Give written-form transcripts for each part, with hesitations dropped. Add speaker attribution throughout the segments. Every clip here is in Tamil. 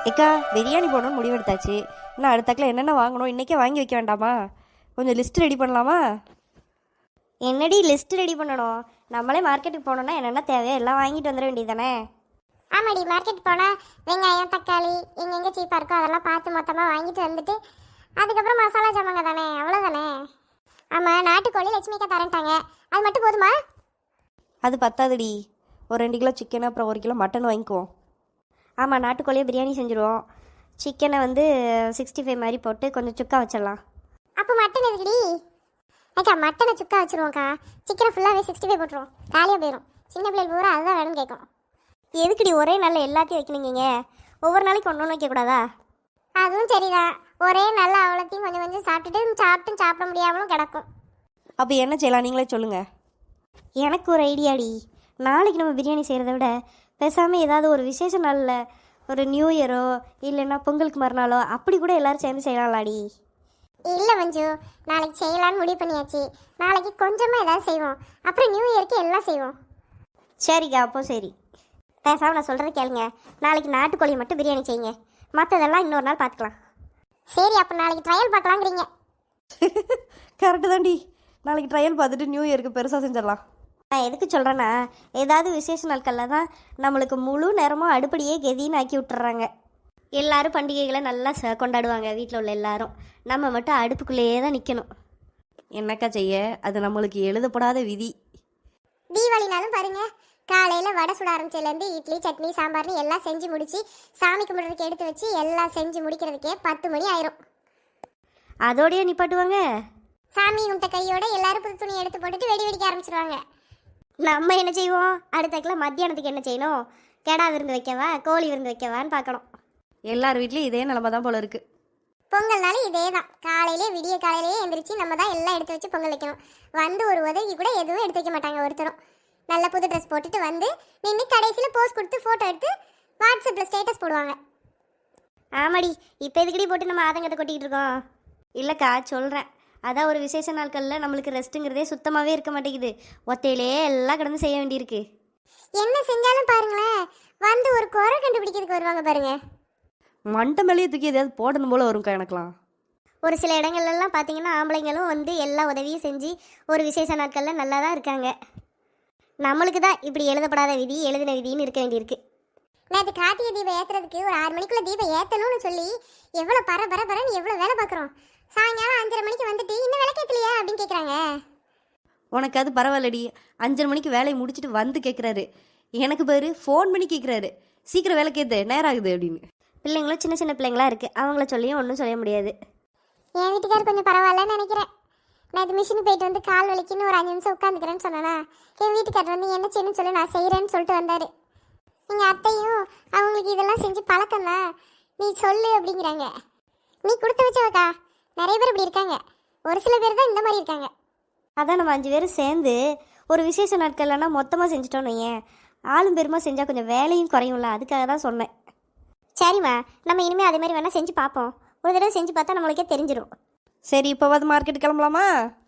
Speaker 1: ஏக்கா பிரியாணி போடணும்னு முடிவெடுத்தாச்சு. இன்னும் அடுத்தாக்கில் என்னென்ன வாங்கணும் இன்றைக்கே வாங்கி வைக்க வேண்டாமா? கொஞ்சம் லிஸ்ட் ரெடி பண்ணலாமா?
Speaker 2: என்னடி லிஸ்ட் ரெடி பண்ணணும்? நம்மளே மார்க்கெட்டுக்கு போனோம்னா என்னென்ன தேவையோ எல்லாம் வாங்கிட்டு வந்துட வேண்டியதானே?
Speaker 3: ஆமாடி, மார்க்கெட் போனால் வெங்காயம் தக்காளி எங்கெங்கே சீப்பாக இருக்கோ அதெல்லாம் பார்த்து மொத்தமாக வாங்கிட்டு வந்துட்டு அதுக்கப்புறம் மசாலா ஜாமாங்க தானே, அவ்வளோதானே. ஆமாம், நாட்டுக்கோழி லட்சுமிக்கா தரேன்ட்டாங்க, அது மட்டும் போதுமா?
Speaker 1: அது பத்தாதுடி. ஒரு 2 கிலோ சிக்கன் அப்புறம் 1 கிலோ மட்டன் வாங்கிக்குவோம்.
Speaker 2: ஆமாம், நாட்டுக்கோழியை பிரியாணி செஞ்சுருவோம். சிக்கனை வந்து 65 மாதிரி போட்டு கொஞ்சம் சுக்கா வச்சிடலாம்.
Speaker 3: அப்போ மட்டன் எதுக்குடி? அக்கா மட்டனை சுக்கா வச்சுருவோம்க்கா, சிக்கனை ஃபுல்லாகவே 65 போட்டுருவோம், காலியாக போயிடும். சின்ன பிள்ளைகள் பூரா அதுதான் வேணும்னு கேட்கும்.
Speaker 2: எதுக்குடி ஒரே நாளில் எல்லாத்தையும் வைக்கணுங்க? ஒவ்வொரு நாளைக்கு ஒன்று ஒன்று வைக்கக்கூடாதா?
Speaker 3: அதுவும் சரிதான், ஒரே நல்ல அவ்வளோத்தையும் கொஞ்சம் கொஞ்சம் சாப்பிட்டுட்டு சாப்பிட முடியாமலும் கிடக்கும்.
Speaker 1: அப்போ என்ன செய்யலாம் நீங்களே சொல்லுங்கள்.
Speaker 2: எனக்கு ஒரு ஐடியாடி. நாளைக்கு நம்ம பிரியாணி செய்கிறத விட பேசாமல் ஏதாவது ஒரு விசேஷ நாளில் ஒரு நியூ இயரோ இல்லைன்னா பொங்கலுக்கு மறுநாளோ அப்படி கூட எல்லோரும் சேர்ந்து செய்யலாம்லாடி.
Speaker 3: இல்லை மஞ்சு, நாளைக்கு செய்யலான்னு முடிவு பண்ணியாச்சு. நாளைக்கு கொஞ்சமாக ஏதாவது செய்வோம், அப்புறம் நியூ இயருக்கு எல்லாம் செய்வோம்.
Speaker 2: சரிக்கா, அப்போ சரி. பேசாமல் நான் சொல்கிறத கேளுங்க. நாளைக்கு நாட்டுக்கோழி மட்டும் பிரியாணி செய்யுங்க, மற்றதெல்லாம் இன்னொரு நாள் பார்த்துக்கலாம்.
Speaker 3: சரி, அப்போ நாளைக்கு ட்ரையல் பார்க்கலாங்கிறீங்க?
Speaker 1: கரெக்டு தாண்டி. நாளைக்கு ட்ரையல் பார்த்துட்டு நியூ இயருக்கு பெருசாக செஞ்சிடலாம்.
Speaker 2: நான் எதுக்கு சொல்கிறேன்னா, ஏதாவது விசேஷ நாட்களில் தான் நம்மளுக்கு முழு நேரமும் அடுப்படியே கெதின்னு ஆக்கி விட்டுறாங்க. எல்லாரும் பண்டிகைகளை நல்லா கொண்டாடுவாங்க வீட்டில் உள்ள எல்லாரும். நம்ம மட்டும் அடுப்புக்குள்ளேயே தான் நிற்கணும்.
Speaker 1: என்னக்கா செய்ய, அது நம்மளுக்கு எழுதப்படாத விதி.
Speaker 3: தீபாவளினாலும் பாருங்க, காலையில் வடை சுட ஆரம்பிச்சதுலேருந்து இட்லி சட்னி சாம்பார்னு எல்லாம் செஞ்சு முடிச்சு சாமி கும்பிட்றதுக்கு எடுத்து வச்சு எல்லாம் செஞ்சு முடிக்கிறதுக்கே 10 மணி ஆயிரும்.
Speaker 2: அதோடய நிப்பாட்டுவாங்க.
Speaker 3: சாமி கும்பிட்ட கையோட எல்லாரும் புது துணி எடுத்து போட்டுட்டு வெடி வெடிக்க ஆரம்பிச்சிருவாங்க.
Speaker 2: நம்ம என்ன செய்வோம்? அடுத்தக்கில் மத்தியானத்துக்கு என்ன செய்யணும்? கெடா விருந்து வைக்கவா கோழி விருந்து வைக்கவான்னு பார்க்கணும்.
Speaker 1: எல்லார் வீட்லேயும் இதே நிலமை தான் போல இருக்குது.
Speaker 3: பொங்கல்னாலும் இதே தான், காலையிலே விடிய காலையிலேயே எந்திரிச்சு நம்ம தான் எல்லாம் எடுத்து வச்சு பொங்கல் வைக்கணும். வந்து ஒரு உதவி கூட எதுவும் எடுத்து வைக்க மாட்டாங்க ஒருத்தரும். நல்ல புது ட்ரெஸ் போட்டுட்டு வந்து நின்று கடைசியில் போஸ்ட் கொடுத்து ஃபோட்டோ எடுத்து வாட்ஸ்அப்பில் ஸ்டேட்டஸ் போடுவாங்க.
Speaker 2: ஆமாடி, இப்போ எதுக்கடி போட்டு நம்ம ஆதங்கத்தை கொட்டிக்கிட்டு இருக்கோம்? இல்லைக்கா, சொல்கிறேன். அதான் ஒரு விசேஷ நாட்களில் நம்மளுக்கு ரெஸ்ட்டுங்கிறதே சுத்தமாகவே இருக்க மாட்டேங்குது. ஒத்தையிலே எல்லாம் கடந்து செய்ய வேண்டியிருக்கு.
Speaker 3: என்ன செஞ்சாலும் பாருங்களேன், வந்து ஒரு குறை கண்டுபிடிக்கிறதுக்கு வருவாங்க பாருங்க.
Speaker 1: மண்டை மேலேயே தூக்கி எதையாவது போடணும் போல வரும்க்கா எனக்குலாம்.
Speaker 2: ஒரு சில இடங்கள்லாம் பார்த்தீங்கன்னா ஆம்பளைங்களும் வந்து எல்லா உதவியும் செஞ்சு ஒரு விசேஷ நாட்களில் நல்லா தான் இருக்காங்க. நம்மளுக்கு தான் இப்படி எழுதப்படாத விதி எழுதின விதின்னு இருக்க வேண்டியிருக்கு.
Speaker 3: நேற்று கார்த்திகை தீபம் ஏற்றுறதுக்கு ஒரு 6 மணிக்குள்ளே தீபம் ஏற்றணும்னு சொல்லி எவ்வளோ பரன்னு எவ்வளோ வேலை பார்க்குறோம். சாயங்காலம் 5:30 மணிக்கு வந்துட்டு இன்னும் விளக்கேற்றலையா அப்படின்னு கேட்குறாங்க.
Speaker 1: உனக்கு அது பரவாயில்லடி. 5:30 மணிக்கு வேலையை முடிச்சுட்டு வந்து கேட்குறாரு. எனக்கு பேர் ஃபோன் பண்ணி கேட்குறாரு, சீக்கிரம் வேலை கேத்து நேரம் ஆகுது அப்படின்னு.
Speaker 2: பிள்ளைங்களும் சின்ன சின்ன பிள்ளைங்களா இருக்குது, அவங்கள சொல்லியும் ஒன்றும் சொல்ல முடியாது.
Speaker 3: என் வீட்டுக்கார் கொஞ்சம் பரவாயில்லன்னு நினைக்கிறேன். நான் இது மிஷினுக்கு போயிட்டு வந்து கால் வலிக்குன்னு ஒரு 5 நிமிஷம் உட்காந்துக்கிறேன்னு சொன்னேன்னா, என் வீட்டுக்கார் வந்து என்ன செய்யணும்னு சொல்லி நான் செய்கிறேன்னு சொல்லிட்டு வந்தார். எங்கள் அத்தையும் அவங்களுக்கு இதெல்லாம் செஞ்சு பழக்கம்தான், நீ சொல்லு அப்படிங்கிறாங்க. நீ கொடுத்து வச்சவக்கா, நிறைய பேர் இப்படி இருக்காங்க, ஒரு சில பேர் தான் இந்த மாதிரி இருக்காங்க.
Speaker 2: அதான் நம்ம 5 பேரும் சேர்ந்து ஒரு விசேஷ நாட்கள்லன்னா மொத்தமாக செஞ்சுட்டோன்னு ஏன் ஆளும் பெருமா செஞ்சால் கொஞ்சம் வேலையும் குறையும்ல, அதுக்காக தான் சொன்னேன். சரிம்மா, நம்ம இனிமேல் அதே மாதிரி வேணால் செஞ்சு பார்ப்போம். ஒரு தடவை செஞ்சு பார்த்தா நம்மளுக்கே தெரிஞ்சிடும்.
Speaker 1: சரி, இப்போவாது மார்க்கெட் கிளம்பலாமா?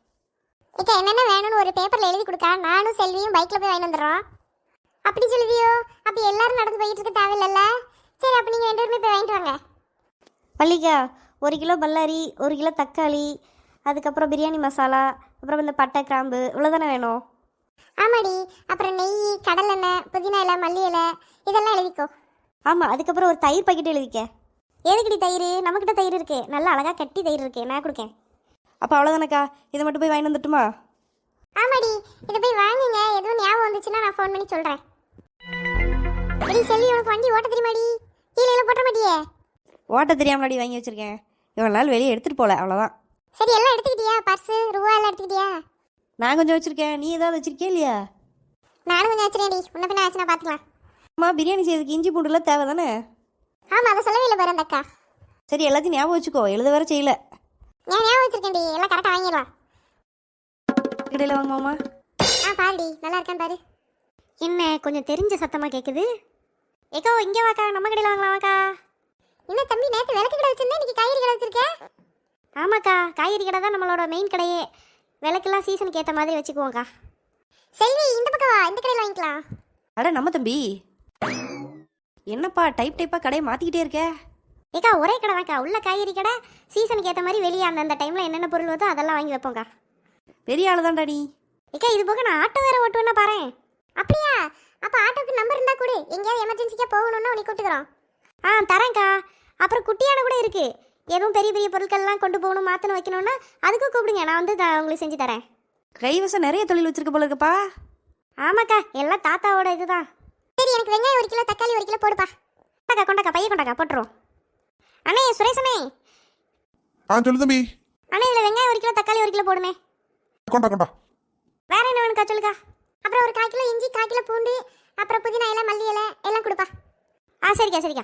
Speaker 3: இப்போ என்னென்ன வேணும்னு ஒரு பேப்பரில் எழுதி கொடுக்கா, நானும் செல்வியும் பைக்கில் போய் வாங்கி வந்துடுறோம். அப்படி சொல்லுதியோ? அப்போ எல்லாரும் நடந்து போயிட்டு இருக்க தேவையில்லைல்ல. சரி, அப்போ நீங்கள் 2 பேருமே போய் வாங்கிட்டு வாங்க.
Speaker 2: பள்ளிக்கா 1 கிலோ பல்லாரி, 1 கிலோ தக்காளி, அதுக்கப்புறம் பிரியாணி மசாலா, அப்புறம் இந்த பட்டை கிராம்பு, இவ்வளோதானே வேணும்?
Speaker 3: ஆமாடி, அப்புறம் நெய், கடலெண்ணெய், புதினா இலை, மல்லி இலை, இதெல்லாம் எழுதிக்கோ.
Speaker 2: ஆமாம், அதுக்கப்புறம் ஒரு தயிர் பாக்கெட் எழுதிக்க. எதுக்கடி தயிர்? நம்மக்கிட்ட தயிர் இருக்கு, நல்லா அழகாக கட்டி தயிர் இருக்கு, நான் கொடுக்கேன்.
Speaker 1: அப்போ அவ்வளோதானக்கா, இதை மட்டும் போய் வாங்கிட்டு வந்துட்டுமா?
Speaker 3: ஆமாடி, இதை போய் வாங்குங்க. எதுவும் ஞாபகம் வந்துச்சுன்னா நான் ஃபோன் பண்ணி சொல்கிறேன். அப்படி செல்வி, உனக்கு வண்டி ஓட்ட தெரியுமாடி? கீழே எல்லாம் போட்ட மாட்டியே?
Speaker 1: ஓட்ட தெரியாமலாடி வாங்கி வச்சுருக்கேன். இவ்வளோ நாள் வெளியே எடுத்துகிட்டு போகல, அவ்வளோதான்.
Speaker 3: சரி, எல்லாம் எடுத்துக்கிட்டியா? பர்ஸு ரூபா எல்லாம் எடுத்துக்கிட்டியா?
Speaker 1: நான் கொஞ்சம் வச்சுருக்கேன், நீ ஏதாவது வச்சுருக்கே இல்லையா?
Speaker 3: நானும் கொஞ்சம் வச்சுருக்கேன்டி, முன்ன பின்ன ஆச்சுன்னா பார்த்துக்கலாம்.
Speaker 1: அம்மா, பிரியாணி செய்யறதுக்கு இஞ்சி பூண்டுலாம் தேவை தானே?
Speaker 3: ஆமாம், அதை சொல்லவே இல்லை பாரு அந்த அக்கா.
Speaker 1: சரி, எல்லாத்தையும் ஞாபகம் வச்சுக்கோ, எழுத வேற செய்யல.
Speaker 3: நான் ஞாபகம் வச்சுருக்கேன்டி, எல்லாம் கரெக்டாக வாங்கிடலாம்.
Speaker 1: கடையில் வாங்குமாமா?
Speaker 3: பாருடி, நல்லா இருக்கான்னு பாரு.
Speaker 2: என்ன கொஞ்சம் தெரிஞ்ச சத்தமாக கேட்குது? ஏக்கோ இங்கே வாக்கா, நம்ம கடையில் வாங்கலாம் வாக்கா.
Speaker 3: என்ன தம்பி, நேற்று விளக்கு கடை வச்சிருந்தேன், இன்னைக்கு காய்கறி கடை வச்சிருக்கேன்.
Speaker 2: ஆமாக்கா, காய்கறி கடை தான் நம்மளோட மெயின் கடையே. விளக்கெல்லாம் சீசனுக்கு ஏற்ற மாதிரி வச்சுக்குவோங்க்கா.
Speaker 3: செல்வி, இந்த பக்கம் வா, இந்த கடையில் வாங்கிக்கலாம்.
Speaker 1: அட நம்ம தம்பி. என்னப்பா டைப்பாக கடையை மாற்றிக்கிட்டே இருக்க?
Speaker 2: ஏக்கா ஒரே கடை தான்க்கா, உள்ள காய்கறி கடை. சீசனுக்கு ஏற்ற மாதிரி வெளியே அந்தந்த டைமில் என்னென்ன பொருள் வருதோ அதெல்லாம் வாங்கி வைப்போங்க்கா.
Speaker 1: பெரிய ஆள் தான்டா நீ.
Speaker 2: ஏக்கா இது போக நான் ஆட்டோ வேற ஓட்டுவேன்னா பாரு. அப்படியா? அப்போ ஆட்டோக்கு நம்பர் இருந்தால் கொடு, எங்கேயாவது எமர்ஜென்சிக்காக போகணுன்னா உனக்கு கூப்பிட்டுக்கிறோம். தரேன்க்கா. அப்புறம் குட்டியான கூட இருக்கு. எதுவும் பெரிய பெரிய பொருட்கள்லாம் கொண்டு போகணும், மாற்றணும், வைக்கணும்னா அதுக்கும் கூப்பிடுங்க, நான் வந்து உங்களுக்கு செஞ்சு தரேன்.
Speaker 1: கைவசம் நிறைய தொழில் வச்சிருக்க போல இருக்கப்பா.
Speaker 2: ஆமாக்கா, எல்லாம் தாத்தாவோட இதுதான். சரி, எனக்கு வெங்காயம் 1 கிலோ, தக்காளி 1 கிலோ போடுப்பா. கொண்டாக்கா பைய கொண்டாக்கா, போட்டுருவோம். அண்ணே சுரேஷனே.
Speaker 4: சொல்லு தம்பி.
Speaker 2: அண்ணே இதில் வெங்காயம் 1 கிலோ, தக்காளி 1 கிலோ போடுமே.
Speaker 4: கொண்டா.
Speaker 2: வேற என்ன வேணுக்கா சொல்லுக்கா. அப்புறம் ஒரு 1/4 கிலோ இஞ்சி, 1/4 கிலோ பூண்டு, அப்புறம் புதினா இலை, மல்லி இலை எல்லாம் கொடுப்பா. சரிக்கா.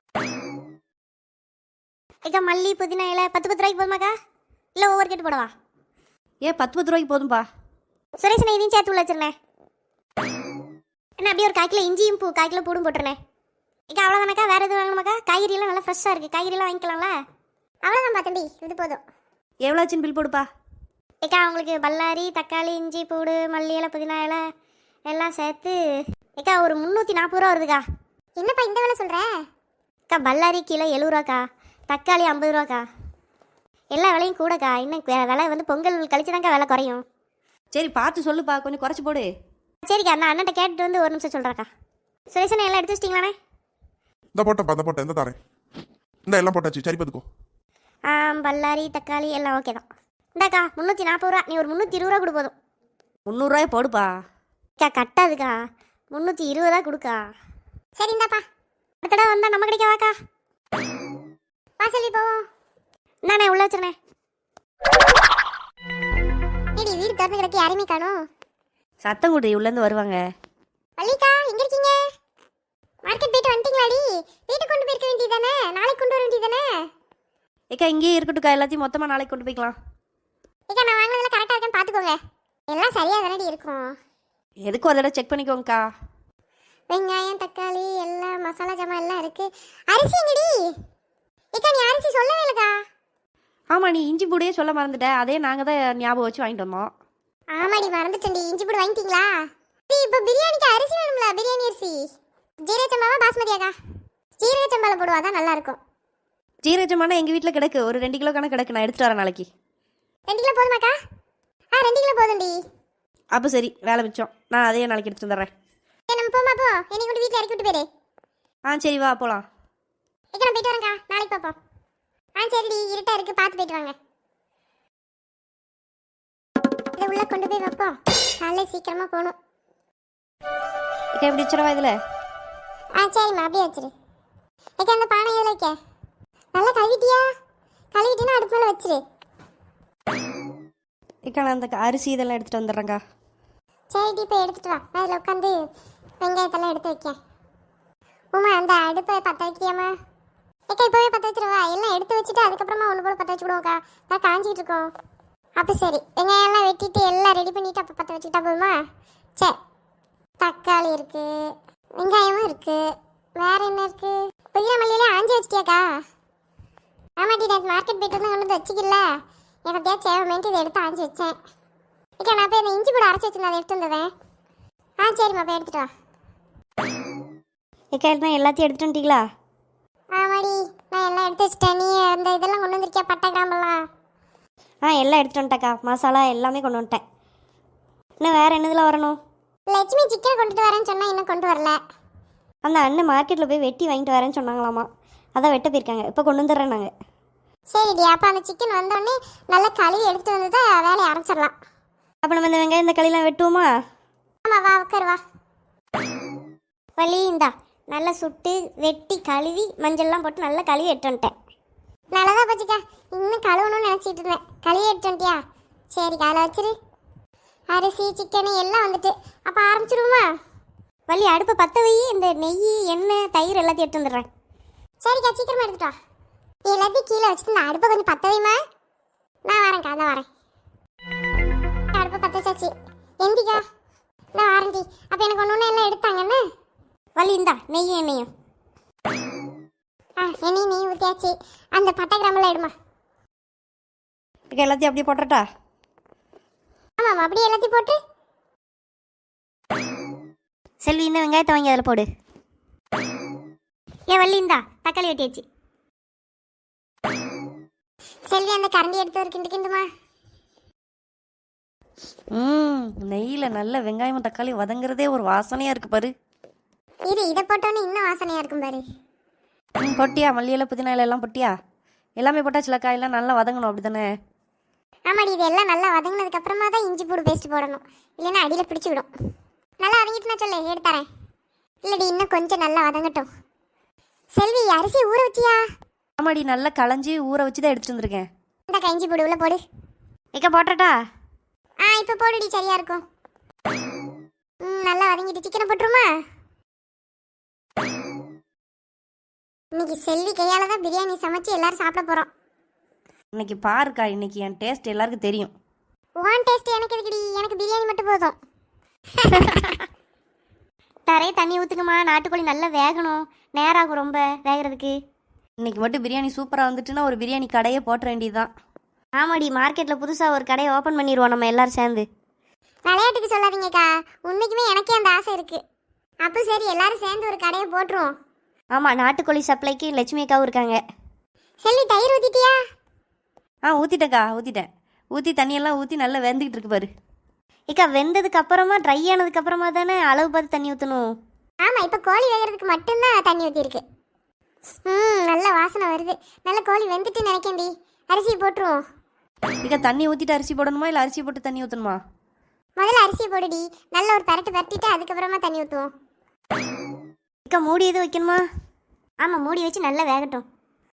Speaker 2: ஏக்கா மல்லி புதினா இலை 10 ரூபாய்க்கு போதுமாக்கா, இல்லை ஒவ்வொரு கேட்டு போடவா?
Speaker 1: 10 ரூபாய்க்கு போதும்பா.
Speaker 2: சுரேஷனை இதையும் சேர்த்து உள்ள வச்சிருந்தேன். என்ன அப்படியே ஒரு 1/4 கிலோ இஞ்சியும் 1/4 கிலோ பூடும் போட்டுருனேன். ஏக்கா அவ்வளோதானக்கா, வேறு எதுவும் வாங்கணுமாக்கா? காய்கறியெல்லாம் நல்லா ஃப்ரெஷ்ஷாக இருக்குது, காய்கறியெல்லாம் வாங்கிக்கலாம்ல? அவ்வளோதான் தம்பி, இது போதும்.
Speaker 1: எவ்வளோ ஆச்சுன்னு பில் போடுப்பா.
Speaker 2: ஏக்கா உங்களுக்கு பல்லாரி, தக்காளி, இஞ்சி, பூடு, மல்லி இலை, புதினா இலை எல்லாம் சேர்த்து ஏக்கா ஒரு 340 ரூபா வருதுக்கா.
Speaker 3: என்னப்பா இந்த வேலை சொல்ற?
Speaker 2: அக்கா பல்லாரி கிலோ 70 ரூபாக்கா, தக்காளி 50 ரூபாக்கா. எல்லா விலையும் கூடக்கா. இன்னும் விலை வந்து பொங்கல் கழிச்சு தான்க்கா விலை குறையும்.
Speaker 1: சரி பார்த்து சொல்லுப்பா, கொஞ்சம் குறைச்சி போடு.
Speaker 2: சரிக்கா, நான் அண்ணன்ட்ட கேட்டுட்டு வந்து ஒரு நிமிஷம் சொல்கிறேக்கா. சுரேஷனை எல்லாம் எடுத்து வச்சிட்டிங்களாண்ணே?
Speaker 4: இந்த போட்டேன் இந்த தரேன். இந்த எல்லாம் போட்டாச்சு, சரி பார்த்துக்கோ.
Speaker 2: பல்லாரி தக்காளி எல்லாம் ஓகே தான். இந்தாக்கா 340 ரூபா, நீ ஒரு 320 ரூபா கொடு போதும்.
Speaker 1: 300 ரூபாய் போடுப்பா.
Speaker 2: அக்கா கட்டாதுக்கா, 320 தான் கொடுக்கா.
Speaker 3: சரி இந்தாப்பா.
Speaker 2: அடுத்த தடவை வந்தால் நம்ம கிடைக்க வாக்கா.
Speaker 3: வாசலி போவோம்.
Speaker 2: இந்தாண்ணே உள்ள வச்சிருண்ணே.
Speaker 3: ஏடி வீடு திறந்து கிடக்கு, யாரையுமே காணோம்.
Speaker 1: சத்தம் கூட்டி உள்ளேருந்து வருவாங்க.
Speaker 3: வள்ளிக்கா எங்க இருக்கீங்க? மார்க்கெட் போயிட்டு வந்துட்டீங்களாடி? வீட்டுக்கு கொண்டு போயிருக்க வேண்டியதானே, நாளைக்கு கொண்டு வர வேண்டியதானே?
Speaker 1: ஏக்கா இங்கேயே இருக்கட்டும்க்கா, எல்லாத்தையும் மொத்தமாக நாளைக்கு கொண்டு போய்க்கலாம்.
Speaker 3: ஏக்கா நான் வாங்கினதெல்லாம் கரெக்டாக இருக்கான்னு பார்த்துக்கோங்க. எல்லாம் சரியாக தானடி இருக்கும்.
Speaker 1: எதுக்கும் ஒரு தடவை செக் பண்ணிக்கோங்கக்கா.
Speaker 3: வெங்காயம், தக்காளி, எல்லாம் மசாலா ஜாமான் எல்லாம் இருக்கு. அரிசி எங்கடி? ஏக்கா நீ அரிசி சொல்லவே இல்லைக்கா.
Speaker 1: ஆமாம், நீ இஞ்சி பூடையே சொல்ல மறந்துட்ட. அதே நாங்கள் தான் ஞாபகம் வச்சு வாங்கிட்டு வந்தோம்.
Speaker 3: ஆமாடி மறந்துட்டேன்டி. இஞ்சி பூடு வாங்கிட்டீங்களா? இப்போ பிரியாணிக்கு அரிசி வேணும்ல, பிரியாணி அரிசி. ஜீரக சம்பாவா பாஸ்மதியாக்கா? ஜீரக சம்பாவில் போடுவா தான் நல்லா இருக்கும்.
Speaker 1: ஜீரகமானா எங்கள் வீட்டில் கிடக்கு, ஒரு 2 கிலோ கணக்கு கிடக்கு, நான் எடுத்துகிட்டு வரேன் நாளைக்கு.
Speaker 3: 2 கிலோ போதுமாக்கா? 2 கிலோ போதும்டி.
Speaker 1: அப்போ சரி, வேலை மிச்சம். நான் அதையே நாளைக்கு எடுத்துட்டு வந்துடுறேன்.
Speaker 3: நம்ம போமா போ, என்னை கொண்டு வீட்டில் இறக்கி விட்டு போயிரு.
Speaker 1: சரி வா போகலாம்.
Speaker 3: ஏக்கா நான் போயிட்டு வரேங்க்கா, நாளைக்கு பார்ப்போம். சரிடி, இருட்டா இருக்கு, பார்த்து போயிட்டு வாங்க. இதை உள்ள கொண்டு போய் வைப்போம், காலையில் சீக்கிரமா போகணும்.
Speaker 1: ஏக்கா இப்படி வச்சிடவா இதில்?
Speaker 3: சரிம்மா அப்படியே வச்சிரு. ஏக்கா அந்த பானை எதில் வைக்க? நல்லா கழுவிட்டியா? கழுவிட்டினா அடுப்பு மேலே வச்சிரு.
Speaker 1: ஏக்கா நான் அந்த அரிசி இதெல்லாம் எடுத்துகிட்டு வந்துடுறேங்க்கா.
Speaker 3: சரிடி இப்போ எடுத்துட்டு வா, நான் அதில் உட்காந்து வெங்காயத்தெல்லாம் எடுத்து வைக்கேன். உமா அந்த அடுப்பை பற்ற வைக்கியாமா? ஏக்கா இப்போவே பற்ற வச்சிருவா, எல்லாம் எடுத்து வச்சுட்டு அதுக்கப்புறமா ஒன்று போல பற்ற வச்சுக்கிடுவோம்க்கா, நான் காஞ்சிக்கிட்டு இருக்கோம். அப்போ சரி, வெங்காயம்லாம் வெட்டிட்டு எல்லாம் ரெடி பண்ணிவிட்டு அப்போ பற்ற வச்சுக்கிட்டா போதுமா? சரி, தக்காளி இருக்குது, வெங்காயமும் இருக்குது, வேறு என்ன இருக்குது? புதினா மல்லியிலே ஆஞ்சி வச்சிட்டியாக்கா? ஆமாட்டி, நான் மார்க்கெட் போய்ட்டு வந்து கொண்டு வந்து வச்சுக்கல, எனக்கு தேவைமேன்ட்டு இதை எடுத்து ஆஞ்சி வச்சேன். ஏக்கா நான் போய் இந்த இஞ்சி கூட அரைச்சி வச்சுருந்தேன், அதை எடுத்து வந்துடுவேன். சரிம்மா போய் எடுத்துட்டு வா.
Speaker 2: ஏக்கா நான் எல்லாத்தையும் எடுத்துட்டு வந்துட்டீங்களா?
Speaker 3: ஆமாடி, நான் எல்லாம் எடுத்து வச்சிட்டேன். நீ அந்த இதெல்லாம் கொண்டு வந்திருக்கியா, பட்டை கிராம்பெல்லாம்?
Speaker 2: எல்லாம் எடுத்துட்டு வந்துட்டேக்கா, மசாலா எல்லாமே கொண்டு வந்துட்டேன். இன்னும் வேறு என்னதில் வரணும்?
Speaker 3: லட்சுமி சிக்கன் கொண்டுட்டு வரேன்னு சொன்னால் இன்னும் கொண்டு வரல.
Speaker 2: அந்த அண்ணன் மார்க்கெட்டில் போய் வெட்டி வாங்கிட்டு வரேன்னு சொன்னாங்களாமா, அதான் வெட்ட போயிருக்காங்க, இப்போ கொண்டு வந்துடுறேன் நாங்கள்.
Speaker 3: சரிடி, அப்போ அந்த சிக்கன் வந்தோடனே நல்லா கழுவி எடுத்துட்டு வந்து தான் வேலையை ஆரம்பிச்சிடலாம்.
Speaker 2: அப்போ நம்ம இந்த வெங்காயம் இந்த களிலாம் வெட்டுவோமா?
Speaker 3: ஆமாம் வா உட்காரு வா.
Speaker 2: வலி இந்தா நல்லா சுட்டு வெட்டி கழுவி மஞ்சள்லாம் போட்டு நல்லா கழுவி எடுத்து வந்துட்டேன்.
Speaker 3: நல்லதா போச்சுக்கா, இன்னும் கழுவணும்னு நினச்சிட்டு இருந்தேன். கழுவி எடுத்து வந்துட்டியா? சரி காலை வச்சிரு. அரிசி சிக்கனு எல்லாம் வந்துட்டு அப்போ ஆரம்பிச்சிருவோமா?
Speaker 2: வலி அடுப்பை பற்ற வை, இந்த நெய் எண்ணெய் தயிர் எல்லாத்தையும் எடுத்து வந்துடுறேன்.
Speaker 3: சரிக்கா சீக்கிரமா எடுத்துட்டா. நீ எல்லாத்தையும் கீழே வச்சுட்டு நான் அடுப்பை கொஞ்சம் பற்ற வைமா. நான் வரேன்க்கா, நான் வரேன். அடுப்பை பற்ற வச்சாச்சு. எந்திக்கா நான் வாரண்டி. அப்போ எனக்கு ஒன்று எல்லாம் எடுத்தாங்கன்னு
Speaker 2: வலி இந்தா நெய் எண்ணெயும்.
Speaker 3: எண்ணெய் நெய் ஊற்றியாச்சு. அந்த பட்டை கிராமெல்லாம் எடுமா.
Speaker 1: ஏக்கா எல்லாத்தையும் அப்படியே போட்டுறட்டா?
Speaker 3: ஆமாம் அப்படியே எல்லாத்தையும் போட்டு.
Speaker 2: செல்வி இந்த வெங்காயத்தை வாங்கி அதில் போடு. ஏன் வள்ளி இந்தா தக்காளி வெட்டியாச்சு.
Speaker 3: செல்வி அந்த கரண்டி எடுத்து ஒரு கிண்டு கிண்டுமா.
Speaker 1: நெய்யில் நல்ல வெங்காயம் தக்காளி வதங்குறதே ஒரு வாசனையாக இருக்கு பாரு.
Speaker 3: இதை போட்டோன்னே இன்னும் வாசனையா இருக்கும் பாரு.
Speaker 1: பொட்டியா மல்லியில புதினா இலை எல்லாம் பொட்டியா எல்லாமே போட்டாச்சுல காயெல்லாம் நல்லா வதங்கணும் அப்படி தானே?
Speaker 3: ஆமாடி இது எல்லாம் நல்லா வதங்கினதுக்கு அப்புறமா தான் இஞ்சி பூடு பேஸ்ட் போடணும், இல்லைன்னா அடியில் பிடிச்சி விடும். நல்லா வதங்கிட்டு நான் சொல்லு எடுத்துறேன். இல்லடி இன்னும் கொஞ்சம் நல்லா வதங்கட்டும். செல்வி அரிசி ஊற வச்சியா?
Speaker 1: ஆமாடி நல்லா களைஞ்சி ஊற வச்சு தான் எடுத்துட்டு வந்திருக்கேன்.
Speaker 3: இந்த இஞ்சி பூடு உள்ள போடு.
Speaker 1: ஏக்கா போட்டட்டா?
Speaker 3: இப்போ போடுடி சரியா இருக்கும். நல்லா வதங்கிட்டு சிக்கனை போட்டுருமா? இன்னைக்கு செல்வி கையால தான் பிரியாணி சமைச்சு எல்லாரும் சாப்பிட போறோம்.
Speaker 1: இன்னைக்கு பாருக்கா, இன்னைக்கு என் டேஸ்ட் எல்லாருக்கும் தெரியும்.
Speaker 3: ஒன் டேஸ்ட் எனக்கு எதுக்குடி, எனக்கு பிரியாணி மட்டும் போதும்.
Speaker 2: தரையே தண்ணி ஊற்றுக்குமா, நாட்டுக்கோழி நல்லா வேகணும், நேரம் ஆகும் ரொம்ப வேகிறதுக்கு.
Speaker 1: இன்னைக்கு மட்டும் பிரியாணி சூப்பராக வந்துட்டுன்னா ஒரு பிரியாணி கடையே போட்ட வேண்டியதுதான். ஆமாடி, மார்க்கெட்டில் புதுசாக ஒரு கடையை ஓப்பன் பண்ணிடுவோம் நம்ம எல்லாரும் சேர்ந்து.
Speaker 3: விளையாட்டுக்கு சொல்லாதீங்கக்கா, உண்மைக்குமே எனக்கே அந்த ஆசை இருக்கு. அப்போ சரி எல்லாரும் சேர்ந்து ஒரு கடையை போட்டுருவோம்.
Speaker 1: ஆமாம், நாட்டுக்கோழி சப்ளைக்கு லட்சுமி அக்காவும் இருக்காங்க.
Speaker 3: செல்வி தயிர் ஊத்திட்டியா?
Speaker 1: ஊற்றிட்டேக்கா, ஊற்றிட்டேன். ஊற்றி தண்ணியெல்லாம் ஊற்றி நல்லா வெந்துக்கிட்டு இருக்கு பாரு. ஏக்கா வெந்ததுக்கு அப்புறமா ட்ரை ஆனதுக்கு அப்புறமா தானே அளவு பார்த்து தண்ணி ஊற்றணும்.
Speaker 3: ஆமா இப்போ கோழி வேகிறதுக்கு மட்டும்தான் தண்ணி ஊற்றிருக்கு. நல்ல வாசனை வருது. நல்ல கோழி வெந்துட்டு நினைக்கேன்டி. அரிசி போட்டுருவோம்.
Speaker 1: ஏக்கா தண்ணி ஊற்றிட்டு அரிசி போடணுமா இல்லை அரிசி போட்டு தண்ணி ஊற்றணுமா?
Speaker 3: முதல்ல அரிசி போடுடி, நல்ல ஒரு பரட்டிட்டு அதுக்கப்புறமா தண்ணி ஊற்றுவோம்.
Speaker 1: ஏக்கா மூடி எதுவும் வைக்கணுமா?
Speaker 2: ஆமாம், மூடி வச்சு நல்லா வேகட்டும்.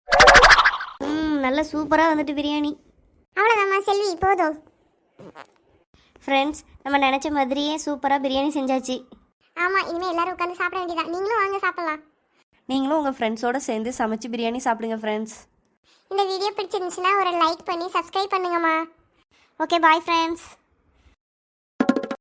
Speaker 1: நல்லா சூப்பராக வந்துட்டு பிரியாணி.
Speaker 3: அவ்வளோதாம்மா செல்வி போதும்.
Speaker 1: ஃப்ரெண்ட்ஸ், நம்ம நினச்ச மாதிரியே சூப்பராக பிரியாணி செஞ்சாச்சு.
Speaker 3: ஆமா இனிமேல் எல்லாரும் உட்காந்து சாப்பிட வேண்டியதான். நீங்களும் வாங்க சாப்பிடலாம்.
Speaker 1: நீங்களும் உங்கள் ஃப்ரெண்ட்ஸோடு சேர்ந்து சமைச்சு பிரியாணி சாப்பிடுங்க ஃப்ரெண்ட்ஸ்.
Speaker 3: இந்த வீடியோ பிடிச்சிருந்துச்சுன்னா ஒரு லைக் பண்ணி சப்ஸ்கிரைப் பண்ணுங்கம்மா.
Speaker 2: Okay, bye friends.